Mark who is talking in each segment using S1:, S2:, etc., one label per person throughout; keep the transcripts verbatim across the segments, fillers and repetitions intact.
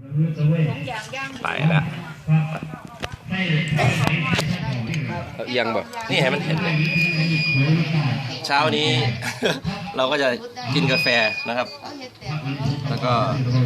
S1: ไปแล้วเอียงบ่นี่ให้มันเห็นเลยเช้านี้ เราก็จะกินกาแฟนะครับแล้วก็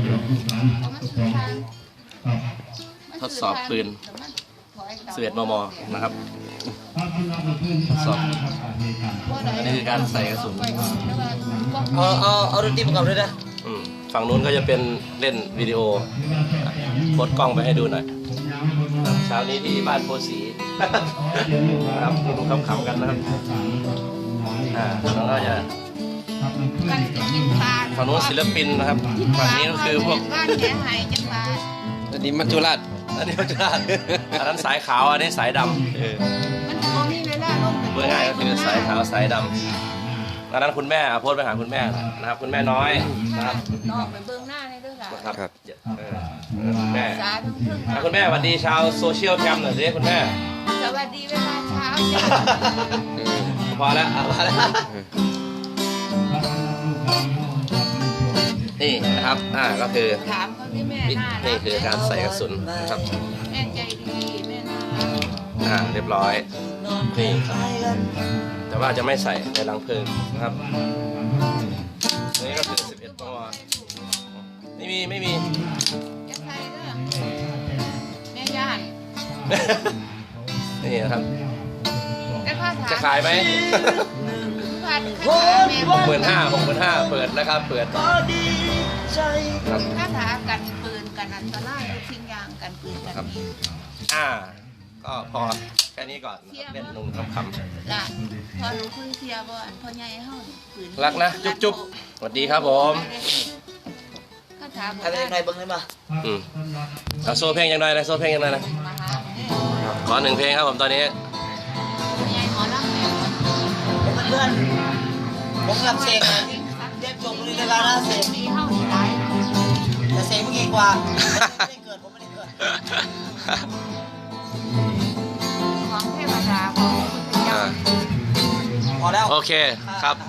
S1: ทดสอบปืนสิบเอ็ดมมนะครับทดสอบอันนี้คือการใส่กระสุน
S2: เอาเอาเอาดนตรีประกอบด้วยนะ
S1: ฝั่งนู้นก็จะเป็นเล่นวิดีโอโพสกล้องไปให้ดูหน่อยเช้านี้ที่บ้านโพสีนะครับดูขำๆกันนะครับอ่าแล้วก็จะฝั่งนู้นศิลปินนะครับฝั่งนี้ก็คือพวก
S2: อันนี้มัจจุราช
S1: อันนี้มัจจุราชอันนั้นสายขาวอันนี้สายดำเออเมื่อไงก็คือสายขาวสายดำอันนั้นคุณแม่โพสไปหาคุณแม่นะครับคุณแม่น้อยนะครับ
S3: น้องไปเบื้องหน้าในด้วยล่ะ
S1: ครับคุณแม่คุณแม่สวัสดีชาวโซเชียลแคมหน่อยสิคุณแม่
S3: สวัสดีเวลาเช้า
S1: พอแล้วพอแล้วนี่นะครับอ่าก็คือ
S3: ถามเขาที่แม่
S1: นี่คือการใส่กระสุนนะครับ
S3: แม่ใจดีแม่น่ารัก
S1: อ่าเรียบร้อยนี่ครับแต่ว่าจะไม่ใส่ในรังเพลิงนะครับนี่ก็คือสิบเอ็ดมมไม่มีไม่มี
S3: จะใส่เด้อแม่ย่าน
S1: นี่นะครับจะขายไหม
S3: ห
S1: กหมื่นห้าหกหมื่นห้าเปิดนะครับเปิด
S3: คาถากันปืนกันอันตรายทิ้งยางกันปืนกันนี้
S1: อ่าก็พอแค่นี้ก่อนเล่นนุ่งคำๆ
S3: ละพอหนูคุยเทียบ่อนพอใหญ่เฮาปืน
S1: รักนะจุ๊บจุ๊บสวัสดีครับผม
S3: คาถาบอก
S2: อะไรในบังได้มา
S1: อืมเอาโซ่เพลงยังไงนะโซ่เพลงยังไงนะขอหนึ่งเพลงครับผมตอนนี้
S3: ใหญ่หมอลำแม่
S2: เพื่อนผมรับเสกนะเรียกจบเลยเวลานะเสก
S3: มีเฮาดีได้
S2: แต่เสกเมื่อกี้กว่าไม่ได้เกิดผมไม่ได้เกิด
S3: ของเทวดาของพุทธเจ้า
S2: พอแล้ว
S1: โอเคครับ